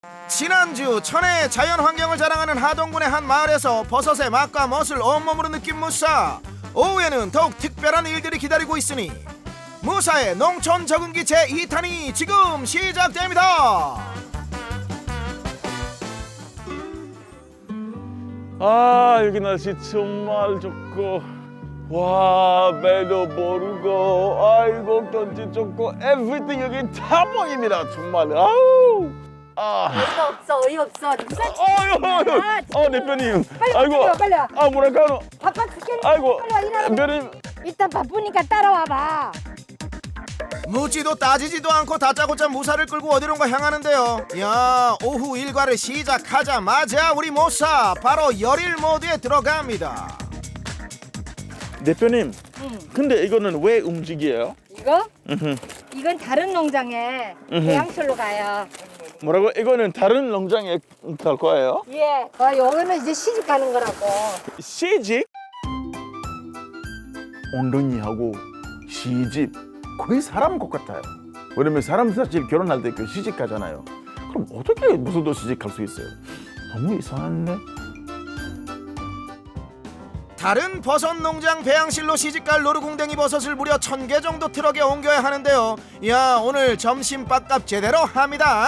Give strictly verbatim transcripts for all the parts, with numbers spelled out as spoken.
지난주 천혜의 자연환경을 자랑하는 하동군의 한 마을에서 버섯의 맛과 멋을 온몸으로 느낀 무사. 오후에는 더욱 특별한 일들이 기다리고 있으니 무사의 농촌 적응기 제이 탄이 지금 시작됩니다. 아, 여기 날씨 정말 좋고, 와, 배도 모르고, 아이고 경치 좋고, everything 여기 다 보입니다. 정말. 아우. 아. 어이가 없어, 어이 없어. 누가 아유, 아유. 어, 대표님. 빨리 아이고. 빨리 와, 빨리 와. 아, 뭐랄까요? 바빠 죽겠네. 아이고. 빨리 와, 일하러. 대표님. 일단 바쁘니까 따라와 봐. 묻지도 따지지도 않고 다짜고짜 무사를 끌고 어디론가 향하는데요. 야, 오후 일과를 시작하자마자 우리 모사 바로 열일 모드에 들어갑니다. 대표님. 응. 근데 이거는 왜 움직여요? 이거? 음흠. 이건 다른 농장에 음흠. 배양철로 가요. 뭐라고? 이거는 다른 농장에 갈 거예요? 예. 어, 요거는 이제 시집 가는 거라고. 시집? 엉덩이하고 시집 거의 사람 것 같아요. 왜냐면 사람 사실 결혼할 때 그 시집 가잖아요. 그럼 어떻게 무서도 시집 갈 수 있어요? 너무 이상한데? 다른 버섯 농장 배양실로 시집갈 노루궁뎅이 버섯을 무려 천 개 정도 트럭에 옮겨야 하는데요. 야, 오늘 점심 밥값 제대로 합니다.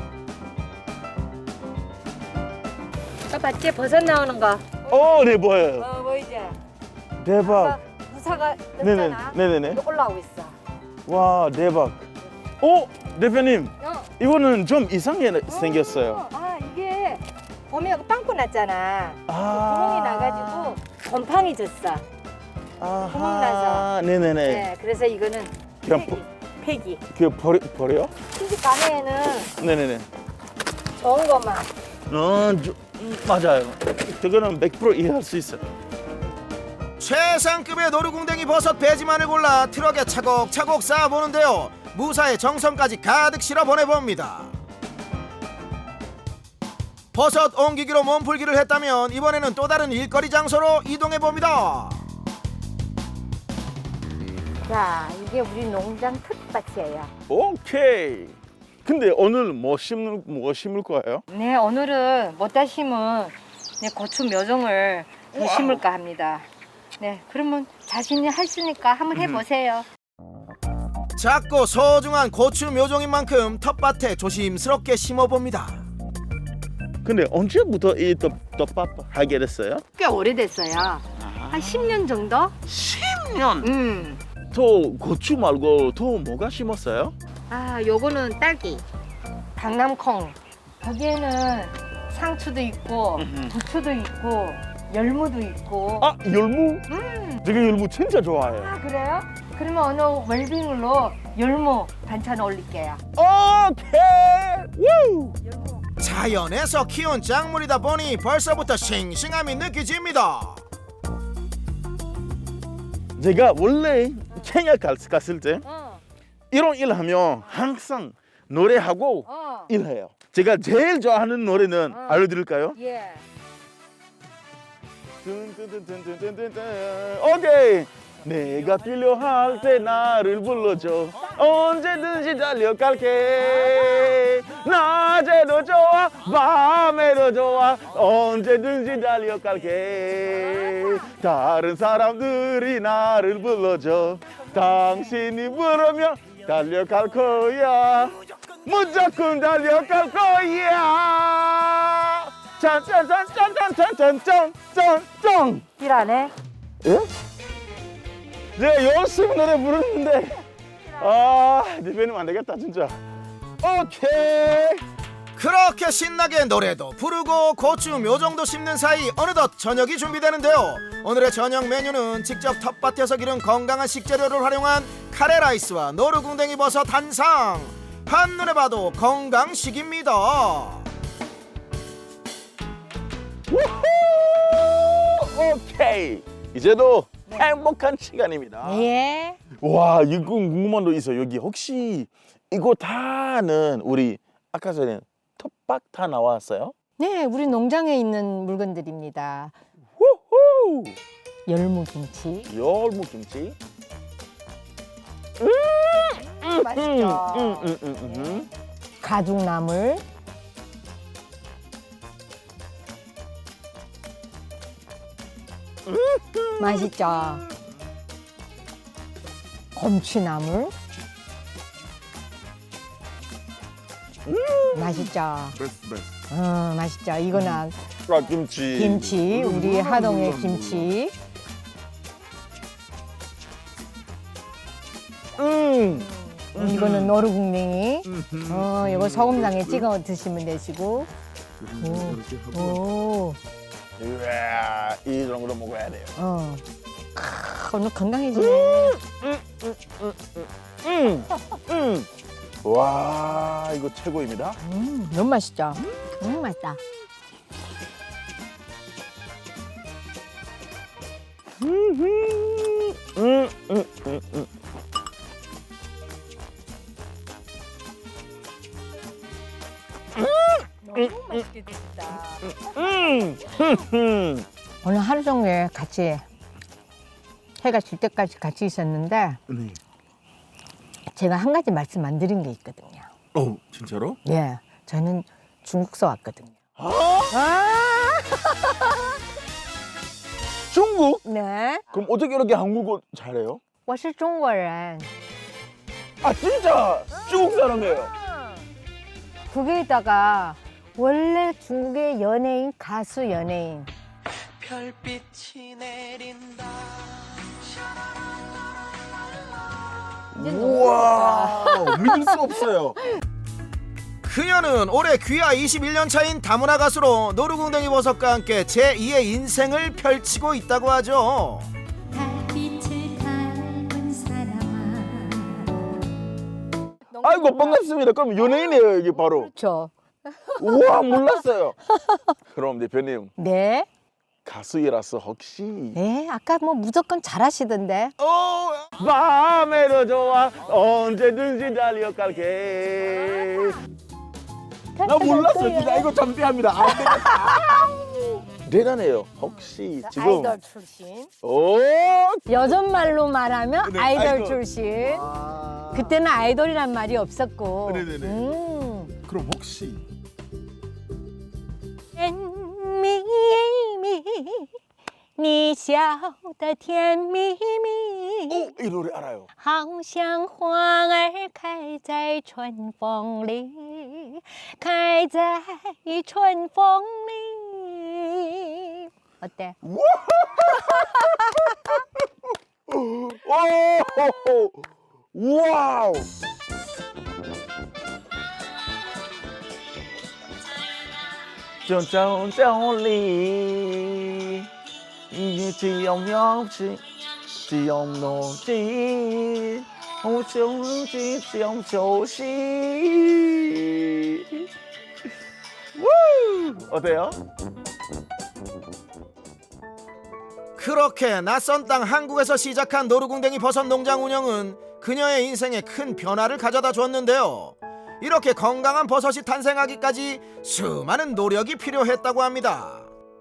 저 봤지? 버섯 나오는 거. 어, 네, 보여요. 어, 보이지? 대박. 무사가 네네, 떴잖아. 네네네. 이거 올라오고 있어. 와, 대박. 어, 대표님, 어. 이거는 좀 이상하게 생겼어요. 아, 이게 봄에 여기 빵꾸 났잖아. 아. 구멍이 나가지고 곰팡이 졌어. 아하. 구멍 나서. 네네네. 네, 그래서 이거는 그냥 폐기. 폐기. 그 버려, 버려요? 시집 가면은 네네네. 좋은 것만. 어, 저, 음, 맞아요. 그거는 백 퍼센트 이해할 수 있어요. 최상급의 노루궁뎅이 버섯 배지만을 골라 트럭에 차곡차곡 쌓아보는데요. 무사의 정성까지 가득 실어 보내봅니다. 버섯 옮기기로 몸풀기를 했다면 이번에는 또 다른 일거리 장소로 이동해봅니다. 자, 이게 우리 농장 텃밭이에요. 오케이. 근데 오늘 뭐 심을 뭐 심을 거예요? 네, 오늘은 못다 심은 네, 고추 묘종을 좀 심을까 합니다. 네, 그러면 자신이 할 수 있으니까 한번 해보세요. 작고 소중한 고추 묘종인 만큼 텃밭에 조심스럽게 심어봅니다. 근데 언제부터 이 떡, 떡밥 하게 됐어요? 꽤 오래됐어요. 한 십 년 정도? 십 년. 음. 또 고추 말고 또 뭐가 심었어요? 아, 요거는 딸기, 강남콩. 거기에는 상추도 있고, 음흠. 부추도 있고, 열무도 있고. 아, 열무? 음. 제가 열무 진짜 좋아해요. 아, 그래요? 그러면 오늘 웰빙으로 열무 반찬 올릴게요. 오케이. 우! 열무. 자연에서 키운 작물이다 보니 벌써부터 싱싱함이 느껴집니다. 제가 원래 케냐 갔- 갔을 때 어, 이런 일 하면 항상 노래하고 어. 일해요. 제가 제일 좋아하는 노래는 어. 알려드릴까요? 예. 뚠뚠뚠뚠뚠뚠뚠. 오케이. 내가 필요할 때 나를 불러줘. 언제든지 달려갈게. 낮에도 좋아, 밤에도 좋아. 언제든지 달려갈게. 다른 사람들이 나를 불러줘. 당신이 부르면 달려갈 거야. 무조건 달려갈 거야. 짠짠짠짠짠짠짠짠짠. 일 안 해? 예? 제가 열심히 노래 부르는데 아 대표님 안 되겠다 진짜. 오케이. 그렇게 신나게 노래도 부르고 고추 묘종도 심는 사이 어느덧 저녁이 준비되는데요. 오늘의 저녁 메뉴는 직접 텃밭에서 기른 건강한 식재료를 활용한 카레라이스와 노루궁뎅이 버섯 한상. 한눈에 봐도 건강식입니다. 우후! 오케이. 이제도 행복한 시간입니다. 예. 와 이거 궁금한 거 있어. 여기 혹시 이거 다는 우리 아까 전에 텃밭 다 나왔어요? 네, 우리 농장에 있는 물건들입니다. 우후! 열무김치. 열무김치. 음, 맛있죠. 음, 음, 음, 음. 가죽나물. 맛있죠? 곰취나물. 맛있죠? 베스트 베스트. 어, 맛있죠? 이거는 아 김치. 김치, 우리 하동의 김치. 음. 이거는 노루궁뎅이. 어, 이거 소금장에 찍어 드시면 되시고. 오, 오, 이야, 이 정도 먹어야 돼요. 어. 크, 오늘 건강해지네. 음, 음. 와, 이거 최고입니다. 음, 너무 맛있죠? 음, 맛있다. 음, 음, 음, 음, 음. 너무 맛있게 드셨다. 음, 음. 오늘 하루 종일 같이 해가 질 때까지 같이 있었는데 네. 제가 한 가지 말씀 안 드린 게 있거든요. 어, 진짜로? 예, 저는 중국서 왔거든요. 아, 아, 중국? 네, 그럼 어떻게 이렇게 한국어 잘해요? 我是中国人. 아, 진짜 중국 사람이에요. 거기에다가 원래 중국의 연예인, 가수 연예인. 별빛이 내린다. 이제 너무 우와, 믿을 수 없어요. 그녀는 올해 귀하 이십일 년 차인 다문화 가수로 노루궁뎅이 버섯과 함께 제이의 인생을 펼치고 있다고 하죠. 달빛을 닮은 사람아 아이고 반갑습니다. 그럼 연예인이에요 이게 바로. 그렇죠. 우와 몰랐어요. 그럼 대표님 네, 가수이라서 혹시 네, 아까 뭐 무조건 잘하시던데. 어, 밤에도 좋아 언제든지 달려갈게. 나 몰랐어요. 진짜 이거 잠시합니다. 안 되겠다. 대단해요. 혹시 지금 아이돌 출신. 오 여전 말로 말하면 네, 아이돌, 아이돌. 출신. 아... 그때는 아이돌이란 말이 없었고. 네네네. 음. 그럼 혹시 甜蜜蜜，你笑得甜蜜蜜， 오, 이 노래 알아요. 好像花儿开在春风里，开在春风里。 어때? 오, 와우. trong trong trong ly như chỉ ông nhau chỉ chỉ ông nô chỉ ông chống chỉ chỉ ông châu 씨 어때요? 그렇게 낯선 땅 한국에서 시작한 노루궁뎅이 버섯 농장 운영은 그녀의 인생에 큰 변화를 가져다 줬는데요. 이렇게 건강한 버섯이 탄생하기까지 수많은 노력이 필요했다고 합니다.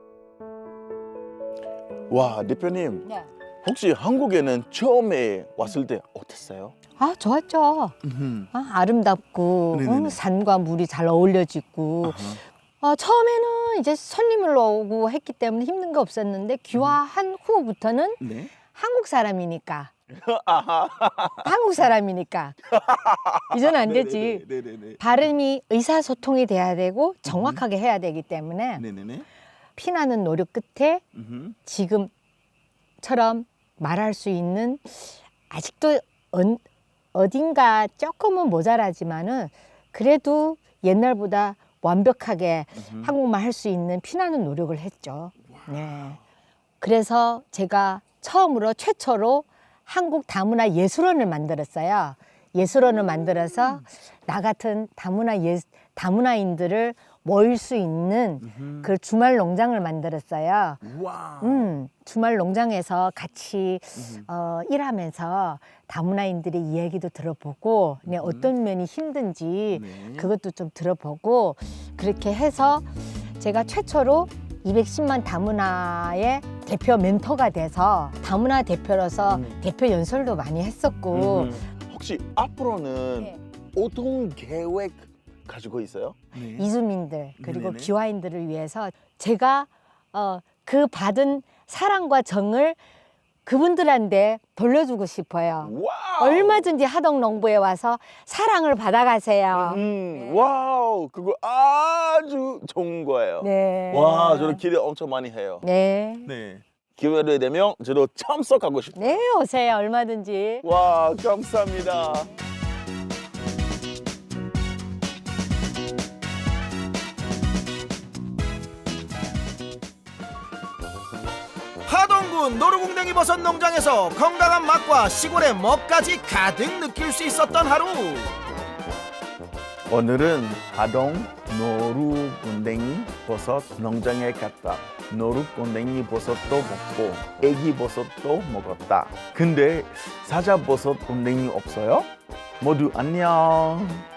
와 대표님 네. 혹시 한국에는 처음에 왔을 때 어땠어요? 아, 좋았죠. 아, 아름답고 네네네. 어, 산과 물이 잘 어울려지고. 아, 처음에는 이제 손님을 오고 했기 때문에 힘든 거 없었는데 귀화한 후부터는 네. 한국 사람이니까. 한국 사람이니까. 이제는 안 되지. 네네네. 발음이 의사소통이 돼야 되고 정확하게 해야 되기 때문에 네네네. 피나는 노력 끝에 음흠. 지금처럼 말할 수 있는 아직도 언, 어딘가 조금은 모자라지만은 그래도 옛날보다 완벽하게 음흠. 한국말 할 수 있는 피나는 노력을 했죠. 네. 그래서 제가 처음으로 최초로 한국 다문화 예술원을 만들었어요. 예술원을 만들어서 나 같은 다문화 예, 다문화인들을 모일 수 있는 음흠. 그 주말 농장을 만들었어요. 와. 음, 주말 농장에서 같이 음흠. 어, 일하면서 다문화인들의 이야기도 들어보고 네, 어떤 면이 힘든지 네. 그것도 좀 들어보고 그렇게 해서 제가 최초로 이백십만 다문화의 대표 멘토가 돼서 다문화 대표로서 음. 대표 연설도 많이 했었고 음흠. 혹시 앞으로는 네. 어떤 계획 가지고 있어요? 이주민들 그리고 네네. 귀화인들을 위해서 제가 어, 그 받은 사랑과 정을 그분들한테 돌려주고 싶어요. 와우. 얼마든지 하덕농부에 와서 사랑을 받아가세요. 음, 와우, 그거 아주 좋은 거예요. 네. 와, 저도 기대 엄청 많이 해요. 네. 네. 기회를 되면 저도 참석하고 싶어요. 네, 오세요. 얼마든지. 와, 감사합니다. 하동군 노루궁뎅이 버섯 농장에서 건강한 맛과 시골의 멋까지 가득 느낄 수 있었던 하루. 오늘은 하동 노루곤댕이 버섯 농장에 갔다. 노루곤댕이 버섯도 먹고 애기 버섯도 먹었다. 근데 사자 버섯 곤댕이 없어요? 모두 안녕.